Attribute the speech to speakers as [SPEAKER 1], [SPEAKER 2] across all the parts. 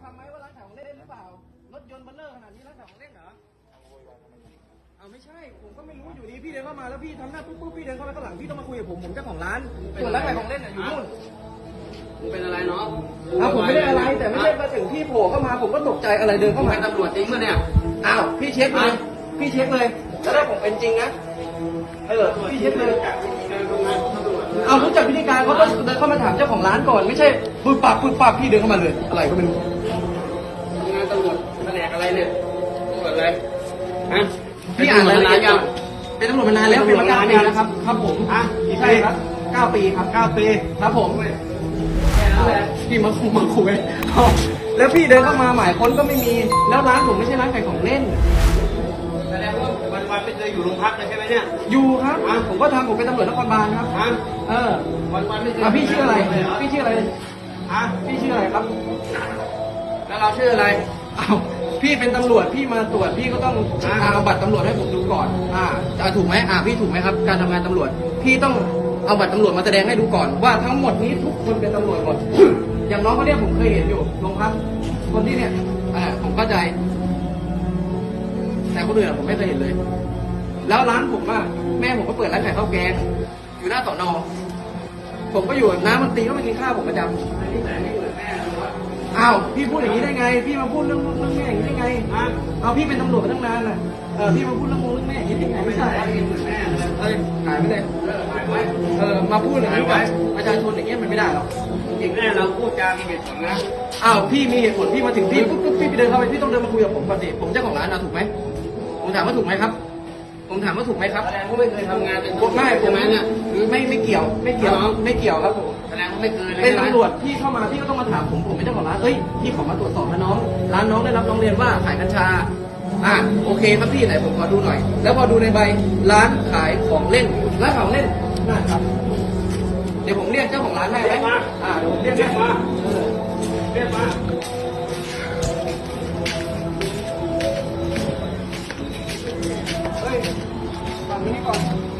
[SPEAKER 1] ทำไหมว่าร้านขายของเล่นหรือเปล่ารถยนต์เบลเลอร์ขนาดนี้ร้านขายของเล่นเหรอเอาไม่ใช่ผมก็ไม่รู้อยู่ดีพี่เดินเข้ามาแล้วพี่ทำหน้าปุ๊บพี่เดินเข้าไปข้างหลังพี่ต้องมาคุยกับผมเจ้าของร้านส่วนร้านขายของเล่นอยู่นู่น
[SPEAKER 2] มึงเป็นอะไรเนาะ
[SPEAKER 1] ผมไม่ได้อะไรแต่ไม่ได้มาถึงพี่โผล่เข้ามาผมก็ตกใจอะไรเดินเข้ามา
[SPEAKER 2] เป็นตำรวจจริงป่ะเนี่ย
[SPEAKER 1] อ้าวพี่เช็คเลยพี่เช็คเลยแล้วถ้าผมเป็นจริงนะพี่เช็คเลยเอารู้จักพิธีการเขาก็เดินเข้ามาถามเจ้าของร้านก่อนไม่ใช่ปึ๊บปั๊บพี่เดินเข้ามาเลยอะไรก็ไม่รู้
[SPEAKER 2] งานตำรวจแผนกอะไรเนี่ยตำรวจอะไรฮะ
[SPEAKER 1] พี่อ่านรายละเอียดยังเป็นตำรวจมานานแล้วเป็นมา9 ปีแล้วครับครับผมใช่ครับ9 ปีครับ9 ปีครับผมพี่มาคุยแล้วพี่เดินเข้ามาหมายค้นก็ไม่มีแล้วร้านผมไม่ใช่ร้านขายของเล่น
[SPEAKER 2] แสดงว่าวันไม่เคยอยู่โรงพักเลยใช่ไหมเนี่ย
[SPEAKER 1] อยู่ครับผมก็ทำผมเป็นตำรวจนครบาลครับ
[SPEAKER 2] วันไม่เคย
[SPEAKER 1] พี่ชื่ออะไรพี่ชื่ออะไรพี่ชื่ออะไรครับ
[SPEAKER 2] แล้วเราชื่ออะไร
[SPEAKER 1] พี่เป็นตำรวจพี่มาตรวจพี่ก็ต้องเอาบัตรตำรวจให้ผมดูก่อนถูกไหมพี่ถูกไหมครับการทำงานตำรวจพี่ต้องเอาบัตรตำรวจมาแสดงให้ดูก่อนว่าทั้งหมดนี้ทุกคนเป็นตำรวจหมดอย่างน้องเขาเนี่ยผมเคยเห็นอยู่โรงพักคนที่เนี่ยผมเข้าใจแต่คนอื่นผมไม่เคยเห็นเลยแล้วร้านผมแม่ผมก็เปิดร้านขายข้าวแกงอยู่หน้าสน.ผมก็อยู่น้ำมันตีก็มากินข้าวผมประจำพี่พูดอย่างนี้ได้ไงพี่มาพูดเรื่องแม่อย่างนี้ได้ไงพี่เป็นตำรวจมาตั้งนานน่ะพี่มาพูดเรื่องแม่อย่างนี้ได้ไงไม่ใช่หายไปเลยมาพูดอย่างนี้กับประชาชนอย่างเงี้ยมันไม่ได้หรอก
[SPEAKER 2] จริงแม่เราพูดจามีเหตุผลนะ
[SPEAKER 1] พี่มีเหตุผลพี่มาถึงพี่ปุ๊บพี่ไปเดินเข้าไปพี่ต้องเดินมาคุยกับผมก่อนสิผมเจ้าของร้านถูกไหมผมถามว่าถูกไหมครับผมถามว่าถูกไหมครับ
[SPEAKER 2] แสดงว่าไม่เคยทำงานเป็น
[SPEAKER 1] ไม่ใช่ไหมเนี่ยหรือไม่เกี่ยวครับผม
[SPEAKER 2] แสดงว่าไม่เคย
[SPEAKER 1] เป็นตำรวจพี่เข้ามาพี่ก็ต้องมาถามผมเป็นเจ้าของร้านพี่ขอมาตรวจสอบนะน้องร้านน้องได้รับร้องเรียนว่าขายกัญชาโอเคครับพี่ไหนผมขอดูหน่อยแล้วพอดูในใบร้านขายของเล่นร้านของเล่นนั่นครับเดี๋ยวผมเรียกเจ้าของร้านให้ไหมเดี๋ยวผมเรียกมาฟังนี้ก่อน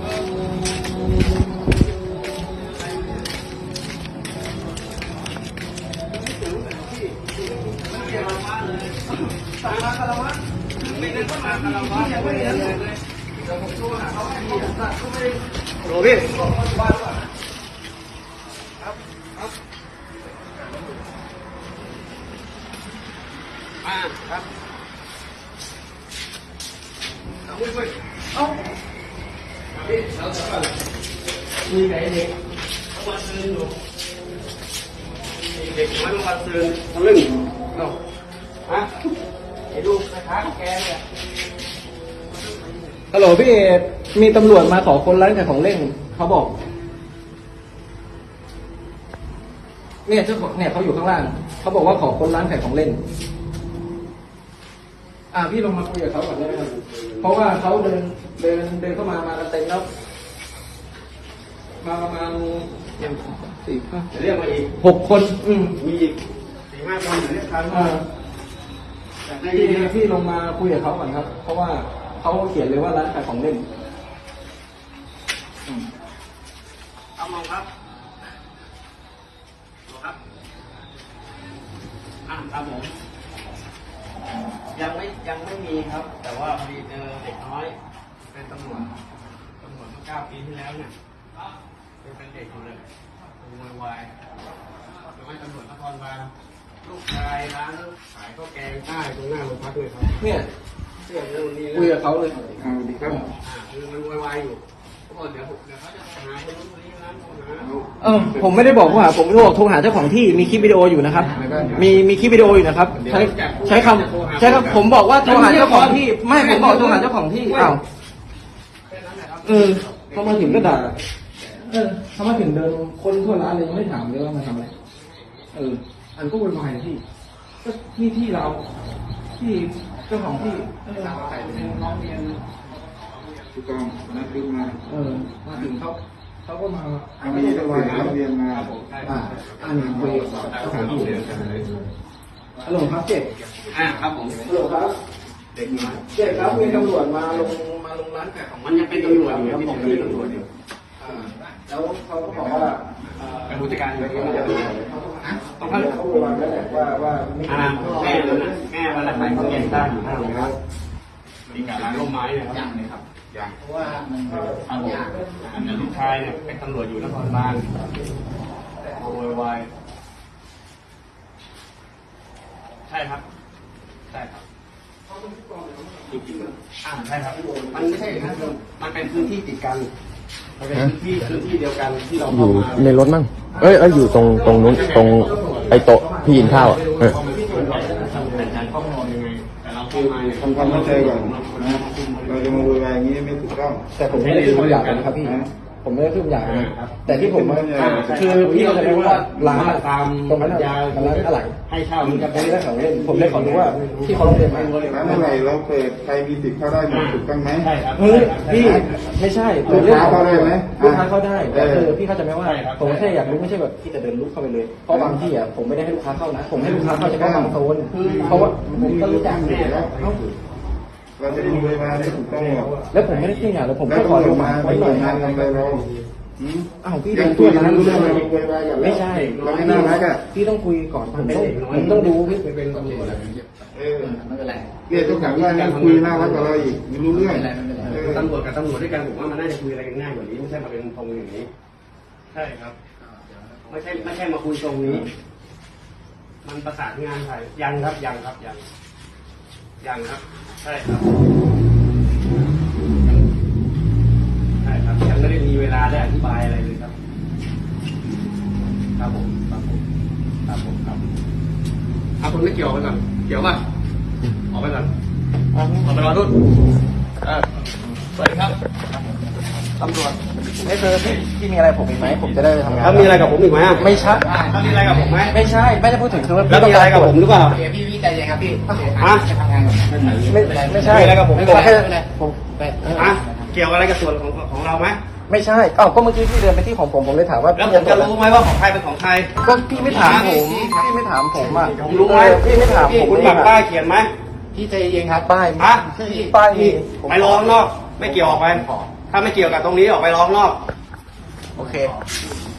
[SPEAKER 1] สั่งมาคารวะไม่ได้ก็มาคารวะยังไม่ได้เลยเดี๋ยวผมโทรหาเขาให้เขาสั่งก็ไม่ได้โหลพี่บอกเขาอยู่บ้านก่อนครับครับมีไก่เด็ก
[SPEAKER 2] วันซื้ออยู่เด็กน้อยวันซื้อทะลึ่งไอ้ลูกนะคะแกเนี่ย
[SPEAKER 1] ฮัลโหลพี่เอมีตำรวจมาขอคนร้านขายของเล่นเขาบอกเนี่ยเจ้าของเนี่ยเขาอยู่ข้างล่างเขาบอกว่าขอคนร้านขายของเล่นพี่ลงมาคุยกับเขาก่อนได้ไหมครับเพราะว่าเขาเดินเข้ามากันเต็มแล้วมาประมาณ4-5
[SPEAKER 2] เรียกมาอีก
[SPEAKER 1] 6 คน
[SPEAKER 2] มีอีก4-5 คนเรียกทัน
[SPEAKER 1] พี่ลงมาคุยกับเขาก่อนครับเพราะว่าเขาเขียนเลยว่าร้านขายของเล่น
[SPEAKER 2] เอามองครับครับผมยังไม่มีครับแต่ว่าพอดีเจอเด็กน้อยเป็นตำรวจเมื่อ9 ปีที่แล้วเนี่ยเป็นเด็กอยู่เลยโวยวายไม่ตำรวจนครบาลลูกชายร้านขายข้าวแกงใต้ตรงหน้าโรงพักเลยครับ
[SPEAKER 1] เนี่ยคุยกับเขาเลย
[SPEAKER 2] ดีครับคือมันโวยวายอยู่เดี๋ยวเขาจะหาคนนู้นคนนี้ร้าน
[SPEAKER 1] ผมไม่ได้บอกว่าผมโทรหาเจ้าของที่มีคลิปวิดีโออยู่นะครับมีคลิปวิดีโออยู่นะครับใช้คำผมบอกว่าโทรหาเจ้าของที่ไม่ผมบอกโทรหาเจ้าของที่เขามาถึงก็ด่าเขามาถึงเดินคนทั่วร้านเลยยังไม่ถามเลยว่ามาทำอะไรอันก็วุ่นวายพี่ก็ที่เราที่เจ้าของที่
[SPEAKER 2] น้องเรียน
[SPEAKER 3] ถูกต้องนัดดูมา
[SPEAKER 1] มาถึงเขาก็มา
[SPEAKER 3] มีตัวเรียนมา
[SPEAKER 1] นี่คุยสถานที่ฮัลโหลครับเจ๊
[SPEAKER 2] ครับผม
[SPEAKER 1] ฮัลโหลครับ
[SPEAKER 2] เด็กมา
[SPEAKER 1] ครับมีตำรวจมาลงร้านขายของ
[SPEAKER 2] มันยังเป็นตำรวจอยู่ที่ผมเป็นตำรวจอยู่
[SPEAKER 1] แล้วเขาก็บอกว่า
[SPEAKER 2] เป็นผู้จัดการอยู่ที่ต้องเข้า
[SPEAKER 3] เขาบอกแล้วแหละว่าไม่
[SPEAKER 2] แม่มันน่ะแม่มันน่ะขายของเย็นได้อยู่ข้างหลังครับมีการร้านร่มไม้เนี่ยครับเลยครับ
[SPEAKER 3] อย่าง
[SPEAKER 1] เพราะว่ามัน
[SPEAKER 2] ครับผมอันนี้ลูกชายเนี่ยเป็นตำรวจอยู่นครบาลโวยวายใช่ครับใช่ครับใช่ครับ มันไม่ใช่อย่างนั้นมันเป็นพื้นที่ติดกันมันเป็นพื้นที่เดียวกันที่เรา
[SPEAKER 4] อ
[SPEAKER 2] เข้า
[SPEAKER 4] ยู่
[SPEAKER 2] มา
[SPEAKER 4] ในรถมั้งเอ้ยอยู่ตรงนู้นตรงไอ้โต๊ะพี่กินข้าวอ่ะ
[SPEAKER 2] แต่เราเข้ามาเนี่ย
[SPEAKER 3] ทำความเข้าใจก่อนนะเราจะมาโวยวายอย่างนี้ไม่ถูกต้อง
[SPEAKER 1] แต่ผมไม่ได้ขึ้นคำหยาบนะครับพี่ผมไม่ได้ขึ้นคำหยาบนะแต่ที่ผมคือพี่ก็จะรู้ว่าร้าน
[SPEAKER 2] ตาม
[SPEAKER 1] ตรงนั้นร้านอะไร
[SPEAKER 2] ให้เช่ามันจะ
[SPEAKER 1] ไม่
[SPEAKER 2] เป็น
[SPEAKER 1] ได้ของเล่นผมเลยขอรู้ว่าที่เขาร้องเรียนมา
[SPEAKER 3] ร้านอะไรเราเปิดใครมีสิทธิ์เข้าได้หมดถูกต้องไหม
[SPEAKER 2] ใช่ครับ
[SPEAKER 1] เฮ้ยพี่ไม่ใช่
[SPEAKER 3] ลูกค้าเข้าได้ไหม
[SPEAKER 1] ลูกค้าเข้าได้แต่
[SPEAKER 3] เออ
[SPEAKER 1] คือพี่เข้าใจไหมว่าผมแค่อยากรู้ไม่ใช่แบบพี่จะเดินลุกเข้าไปเลยเพราะบางที่อ่ะผมไม่ได้ให้ลูกค้าเข้านะผมให้ลูกค้าเข้าเฉพาะบางโซนเพราะว่าผมก็รู้จักเนี่ยแล้ว
[SPEAKER 3] เราจะมาโวยวายไม่ถูกต้องหรอก
[SPEAKER 1] แล้วผมไม่ได้ขึ้นอย่างแล้วผม
[SPEAKER 3] แล้ว
[SPEAKER 1] แค่ขอ
[SPEAKER 3] ตำร
[SPEAKER 1] รู้
[SPEAKER 3] วจ
[SPEAKER 1] มา
[SPEAKER 3] มา
[SPEAKER 1] ไว้
[SPEAKER 3] ไม่
[SPEAKER 1] ห
[SPEAKER 3] ห
[SPEAKER 1] น่
[SPEAKER 3] น่
[SPEAKER 1] อ
[SPEAKER 3] วย ยงานอะไรเรา
[SPEAKER 1] อ้าวพี่
[SPEAKER 3] ยั
[SPEAKER 1] เดิ
[SPEAKER 3] ง
[SPEAKER 1] น
[SPEAKER 3] คุ
[SPEAKER 1] ตั
[SPEAKER 3] ยว กั
[SPEAKER 1] ร้าน น
[SPEAKER 3] รู้
[SPEAKER 1] รู้
[SPEAKER 3] เรื่
[SPEAKER 1] เรื่
[SPEAKER 3] อ
[SPEAKER 1] อง ง
[SPEAKER 3] อะไรโวยวายกัน
[SPEAKER 1] ไม่ใช่
[SPEAKER 3] เราไม่น่ารักอ่ะ
[SPEAKER 1] พี่ต้องคุยก่อนผมต้องดูพี่
[SPEAKER 2] เป็นตำรวจ
[SPEAKER 3] เออ
[SPEAKER 1] ไม่เป็นไร
[SPEAKER 3] เรียกทุกอย่างว่านี่คุยน่ารักกับเราอีกไม่รู้เรื่อง
[SPEAKER 2] ตำรวจกับตำรวจด้วยกันผมว่ามันน่าจะคุยอะไรกันง่ายกว่านี้ไม่ใช่มาเป็นตรงอย่างนี้ ใช่ครับ ไม่ใช่มาคุยตรงนี้ มันประสานงานใครยังครับยังครับครับ ใช่ครับใช่ครับยังไม่ได้มีเวลาได้อธิบายอะไรเลยครับครับผมเอาคนไม่เกี่ยวไปก่อนเกี่ยวป่ะออกไปก่อนออกไปรอรุ่นสวัสดีครับตำรวจ
[SPEAKER 1] ไม่เคยพี่มีอะไรผมอีกไหมผมจะได้ไปทำงาน
[SPEAKER 2] แล้วมีอะไรกับผมอีกไหม
[SPEAKER 1] ไม่ใช่
[SPEAKER 2] แล้วมีอะไรกับผมไหม
[SPEAKER 1] ไม่ใช่ไม่ได้พูดถึงคือว่า
[SPEAKER 2] แล้วมีอะไรกับผมหรือเปล่า
[SPEAKER 1] พี่ใจเย็นครับพี่
[SPEAKER 2] ฮะ
[SPEAKER 1] จะทำงานก่อนไม่ใช่
[SPEAKER 2] มีอะไรกับผม
[SPEAKER 1] ไม่เป็นไรผม
[SPEAKER 2] ฮะเกี่ยวอะไรกับส่วนของเราไหม
[SPEAKER 1] ไม่ใช่เอ้าก็เมื่อกี้พี่เดินไปที่ของผมเลยถามว่า
[SPEAKER 2] แล้วผมจะรู้ไหมว่าของใครเป็นของใคร
[SPEAKER 1] ก็พี่ไม่ถามผมพี่ไม่ถามผมอ่ะ
[SPEAKER 2] ผมรู้ไหม
[SPEAKER 1] พี่ไม่ถามผม
[SPEAKER 2] คุณปักป้ายเขียนไหม
[SPEAKER 1] พี่ใจเย็นครับป้าย
[SPEAKER 2] ฮะ
[SPEAKER 1] ป้ายมี
[SPEAKER 2] ไปรอข้างนอก ไม่เกี่ยวออกไป ถ้าไม่เกี่ยวกับตรงนี้ออกไปรอข้างนอก
[SPEAKER 1] โอเค